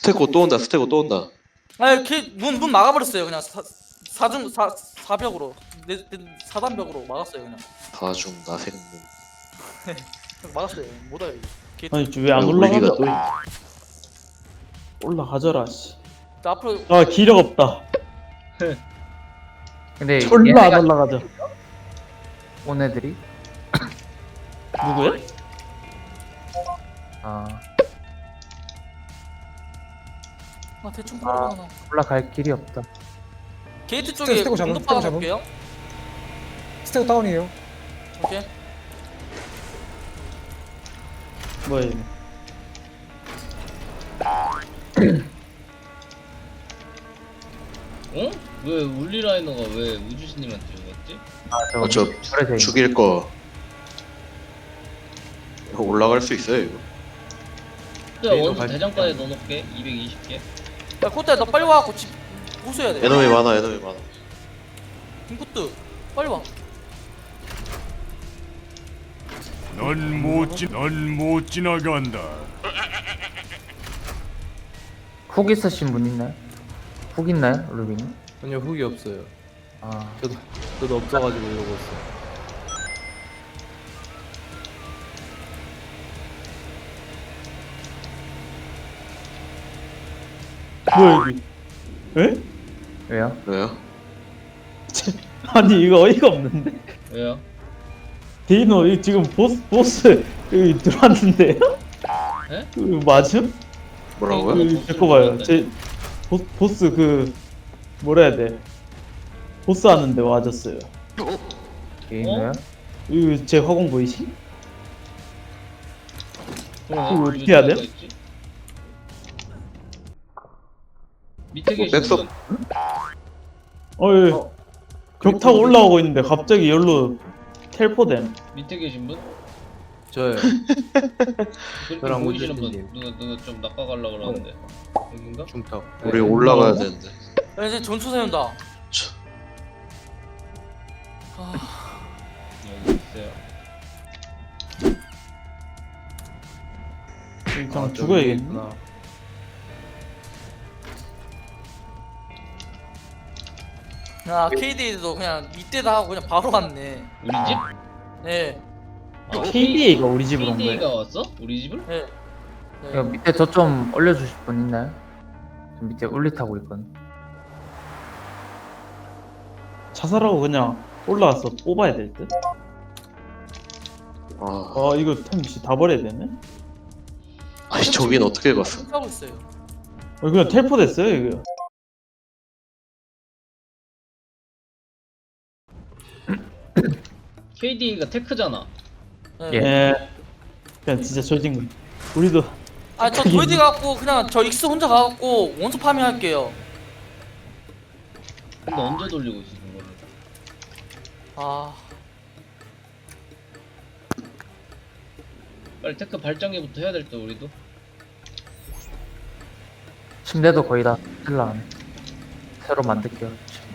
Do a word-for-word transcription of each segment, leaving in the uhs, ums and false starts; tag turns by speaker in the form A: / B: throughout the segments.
A: 스테고 또 온다. 스테고 또 온다.
B: 아니 걔문 문 막아버렸어요 그냥 사, 사중 사 사벽으로 내, 내 사단벽으로 막았어요 그냥
A: 다중 나생문.
B: 막았어요 못 와요 걔
C: 아니 왜 안
A: 울리가
C: 올라가죠?
A: 또 있...
C: 올라가져라 씨.
B: 앞으로
C: 아 기력 없다.
D: 근데
C: 졸라 안
D: 얘네가
C: 올라가죠.
D: 온 애들이
C: 누구야?
D: 아
B: 아 대충 걸어봐 나
D: 올라갈 길이 없다.
B: 게이트 쪽에
E: 스테고 잡음,
B: 공도
E: 스테고 잡음.
B: 박아볼게요
E: 스테고 다운이에요.
B: 오케이
C: 뭐야 얘네.
F: 어? 왜 울리라이너가 왜 우주신님한테 죽었지?
D: 아
A: 어, 저
D: 저래 돼.
A: 죽일 거. 이거 올라갈 수 있어요 이거.
F: 야 원수 대장간에 넣어놓을게. 이백이십 개.
B: 야 코트야 너 빨리 와갖고 집 호수해야 돼
A: 에너미 많아. 에너미 많아.
B: 김코트 빨리 와
G: 넌 못 지, 넌 못 지나간다.
D: 훅 있으신 분 있나요? 훅 있나요, 루빈이?
H: 전혀 훅이 없어요.
D: 아
H: 저도 저도 없어가지고 이러고 있어.
C: 뭐야 여기? 에?
D: 왜요?
A: 왜요?
C: 아니 이거 어이가 없는데.
F: 왜요?
C: 데이너 이 지금 보스 보스 여기 들어왔는데요?
F: 에?
C: 이거 맞음?
A: 뭐라고요?
F: 그-
C: 그, 잠깐 봐요. 제 보, 보스 그 뭐라 해야 돼? 보스 하는데 와줬어요.
D: 게임이요?
C: 이거 제 화공 보이시?
F: 그럼
C: 그거
F: 왜
C: 어떻게 해야 돼?
F: 우주가 있지? 밑에
A: 뭐,
F: 계신
A: 백석-
F: 분
C: 어이 벽 타고 올라오고 있는데 갑자기 열로 텔포됨.
F: 밑에 계신 분?
H: 저요.
F: 그렇게
H: 저랑
F: 보이시는 분
H: 우주신님.
F: 누가 누가 좀 낚아가려고 그러는데 여긴가?
H: 중턱.
A: 우리 올라가야 되는데.
B: 야 이제 전투 세운다
A: 저,
B: 아
F: 여기 있어요.
C: 그냥
H: 아,
C: 죽어야겠네.
B: 야 케이디도 그냥 밑에다 하고 그냥 바로 갔네
F: 우리 집?
B: 네
F: 아,
C: 케이디에이가 우리 집으로 온
F: 케이디에이가
C: 거예요.
F: 왔어? 우리 집을?
B: 네.
D: 이거
B: 네.
D: 밑에 저 좀 올려주실 분 있나요? 저 밑에 울리 타고 있거든.
C: 자살하고 그냥 올라와서 뽑아야 될 듯?
A: 아,
C: 아 이거 템씨 다 버려야 되네?
A: 아니 저긴 어떻게 갔어?
B: 하고 있어요
C: 어, 그냥 텔포 됐어요 이거.
F: 케이디에이가 테크잖아.
B: 네.
D: 예.
C: 예. 그냥 진짜 조진 거. 우리도
B: 아저 도이디 갖고 그냥 저 익스 혼자 가갖고 원소 파밍 할게요
F: 근데 언제 돌리고 있어 그거를?
B: 아
F: 빨리 테크 발전기부터 해야 될 때 우리도.
D: 침대도 거의 다 쓸라가네. 새로 만들게요.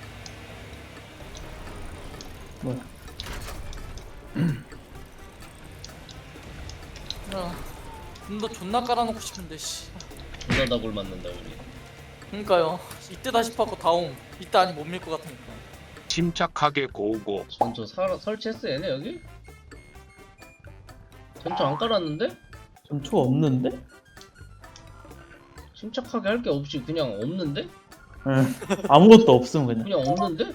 C: 뭐야?
B: 야, 좀더 존나 깔아놓고 싶은데 씨
F: 존나 다골 맞는다 우리.
B: 그러니까요 이때다 싶었고 다음 이때 아니 못 밀 것 같으니까
G: 침착하게 고고.
F: 전초 사, 설치했어 얘네 여기? 전초 안 깔았는데?
C: 전초가 없는데?
F: 침착하게 할 게 없이 그냥 없는데?
C: 예. 아무것도 없음 그냥.
F: 그냥 없는데?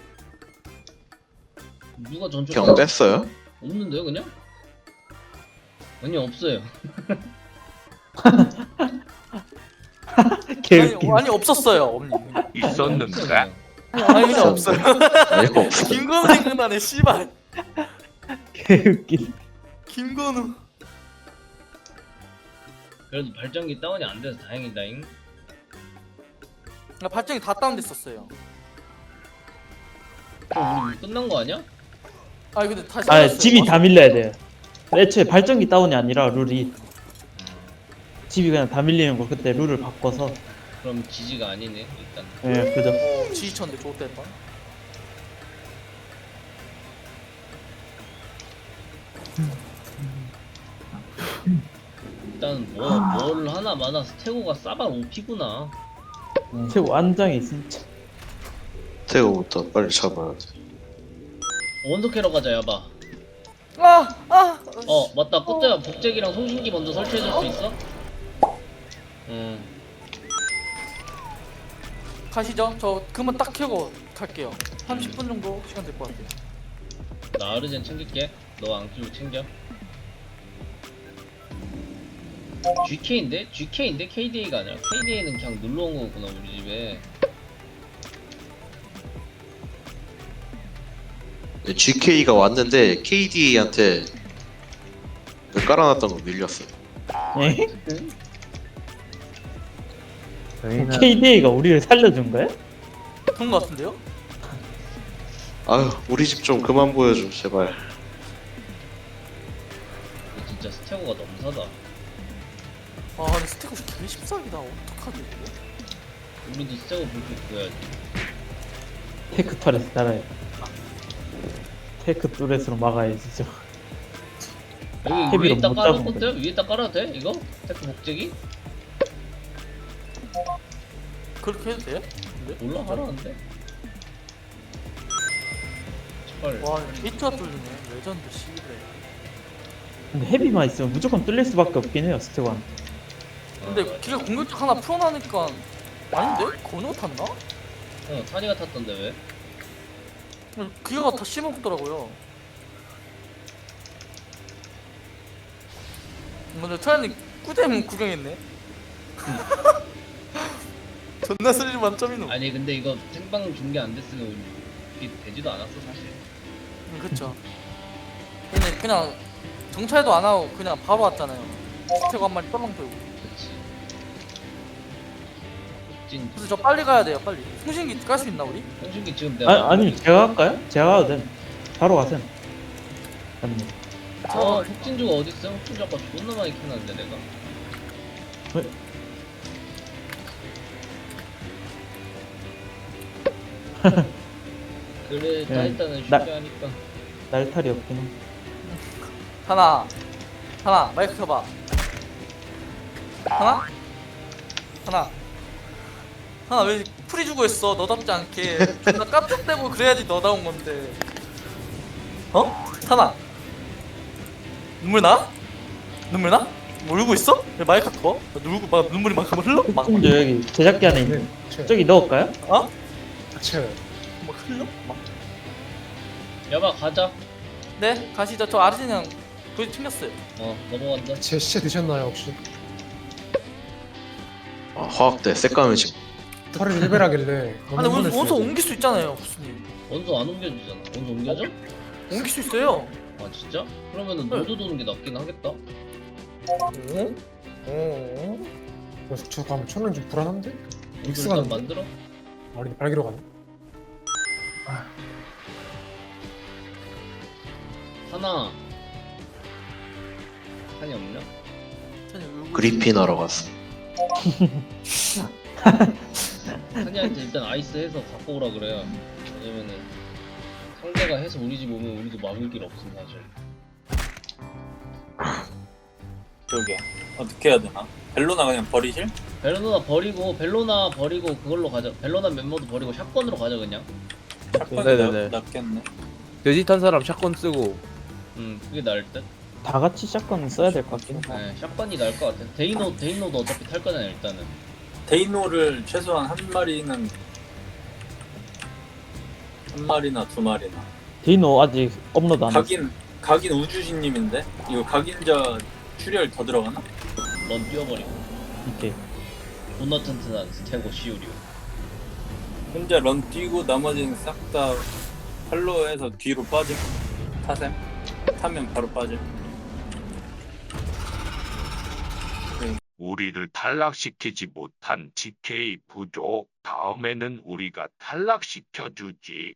F: 누가 전초
A: 경 뺐어요?
F: 없는데요 그냥? 아니 없어요.
C: 개웃기.
B: 아니, 아니 없었어요 없니
G: 있었는데.
B: 아니 그냥 없어요
A: 아니 없어.
B: 김건우 생각나네 씨발
C: 개웃기.
B: 김건우
F: 그래도 발전기 다운이 안 돼서 다행이다잉.
B: 나 발전기 다 다운됐었어요
F: 그럼 우리 끝난 거 아니야?
B: 아니 근데 다시
C: 아
B: 살았어요.
C: 집이 다 밀려야 돼요. 애초에 발전기 다운이 아니라 룰이 집이 그냥 다 밀리는 거 그때 룰을 바꿔서.
F: 그럼 지지가 아니네 일단.
C: 예 그죠.
B: 어, 지지쳤는데 좋댔다
F: 일단 뭐 뭘 하나 마나 스테고가 싸발 오피구나.
C: 최고 안장이 진짜.
A: 태고부터 빨리 잡아야 돼.
F: 원소 캐러 가자 야바.
B: 아! 아!
F: 어 맞다 꽃대야 복제기랑 송신기 먼저 설치해줄 수 있어? 응.
B: 가시죠. 저 그만 딱 켜고 갈게요. 삼십 분 정도 시간 될 것 같아요.
F: 나 아르젠 챙길게. 너 앙키로 챙겨. 지케이인데? 지케이인데? 케이디에이가 아니라 케이디에이는 그냥 놀러온 거구나 우리 집에.
A: 지케이가 왔는데 케이디한테 깔아놨던 거 밀렸어.
C: 에?
D: 저희는
C: 케이디에이가 우리를 살려준 거야?
B: 그런 것 같은데요?
A: 아유 우리 집 좀 그만 보여줘 제발.
F: 이거 진짜 스테고가 너무 사다.
B: 아 근데 스테고 개 십사기다. 어떡하지 이거?
F: 우리도 스테고 볼게 구해야지.
C: 테크 터렛 달아야 테크 뚜렛으로 막아야지 저.
F: 여기
C: 헤비로
F: 위에다
C: 못
F: 깔아도
C: 잡은
F: 꽃대야? 위에다 깔아도 돼? 이거? 테크 복제기?
B: 그렇게 해도 돼요?
F: 몰라 하라는데? 헐.
B: 와 히트가 뚫리네. 레전드 씨그래.
C: 근데 헤비만 있으면 무조건 뚫릴 수밖에 없긴 해요 스테고한테.
B: 근데 기가 공격력 하나 풀어나니까 아닌데? 건우가 탔나?
F: 어 탄이가 탔던데 왜?
B: 기가가 다 씹어먹더라고요. 근데 태연이 꾸댐 구경했네. 존나 스릴 만점이노.
F: 아니 근데 이거 생방 중계 안 됐으면 이게 되지도 않았어 사실.
B: 음, 그쵸. 근데 그냥 정찰도 안 하고 그냥 바로 왔잖아요. 스테고 한 마리 떨렁 들고.
F: 그치. 진
B: 그래서 저 빨리 가야 돼요. 빨리. 통신기 깔 수 있나 우리?
F: 형준기 지금 내가
C: 아, 아니 제가 할까요? 제가 가도 돼. 바로 가세요. 아니
F: 어 혁진주가 어딨어? 혁진주 아까 존나 많이 켜놨는데 내가.
C: 왜?
F: 그래
C: 네.
F: 타이탄은 쉽게
C: 나-
F: 하니까.
C: 날탈이 없긴 해.
B: 하나. 하나. 마이크 켜봐. 하나? 하나. 하나 왜 풀이 주고 있어? 너답지 않게. 나 깜짝대고 그래야지 너다운 건데. 어? 하나. 눈물 나? 눈물 나? 뭐 울고 있어? 왜 마이크 켜? 누구 막 눈물이 막 흘러? 막,
C: 좀 여기 제작기 안에 있는
E: 네.
C: 저기 넣을까요?
B: 어?
E: 체.
B: 막 흘러? 막.
F: 야바 가자.
B: 네, 가시죠. 저 아르제니랑 거의 챙겼어요.
F: 어 넘어간다.
E: 제 시체 드셨나요 혹시?
A: 아, 화학대 새까매 지금.
E: 털을 일배라길래
B: 아, 근데 원소, 원소 옮길 수 있잖아요, 부스님.
F: 원소 안 옮겨주잖아. 원소 옮겨줘?
B: 옮길 수 있어요.
F: 아 진짜? 그러면은
B: 네.
F: 너도 도는 게 낫긴 하겠다.
B: 어? 어?
E: 그래서 저 가면 천은 좀 불안한데?
F: 원소
E: 믹스가
F: 일단
E: 난데?
F: 만들어.
E: 아니 발기로 가네.
F: 하나. 한이 없냐?
B: 천이 울고
A: 그리핀 하러 갔어.
F: 한이한테 일단 아이스 해서 갖고 오라 그래요. 왜냐면은 상대가 해서 우리 집 오면 우리도 막을 길 없음 사실.
I: 그러게 어떻게 해야 되나? 벨로나 그냥 버리실?
F: 벨로나 버리고 벨로나 버리고 그걸로 가자. 벨로나 멤버도 버리고 샷건으로 가자 그냥.
I: 샷건이
H: 네네네.
I: 낫- 낫겠네.
H: 돼지 탄 사람 샷건 쓰고
F: 음 그게 나을 듯.
C: 다 같이 샷건 써야 될 것 같긴 해.
F: 네, 샷건이 나을 것 같아. 데이노 데이노도 어차피 탈 거잖아 일단은.
I: 데이노를 최소한 한 마리는 한 마리나 두 마리나.
C: 디노 아직 업로드 안 했어.
I: 각인 각인 우주신님인데 이거 각인자 출혈 더 들어가나?
F: 넌 뛰어버리고.
C: 이렇게.
F: 존나 튼튼한 스테고 시우리오.
I: 혼자 런 뛰고 나머지는 싹 다 팔로우해서 뒤로 빠짐. 타셈. 타면 바로 빠짐.
G: 우리를 탈락시키지 못한 지케이 부족. 다음에는 우리가 탈락시켜주지.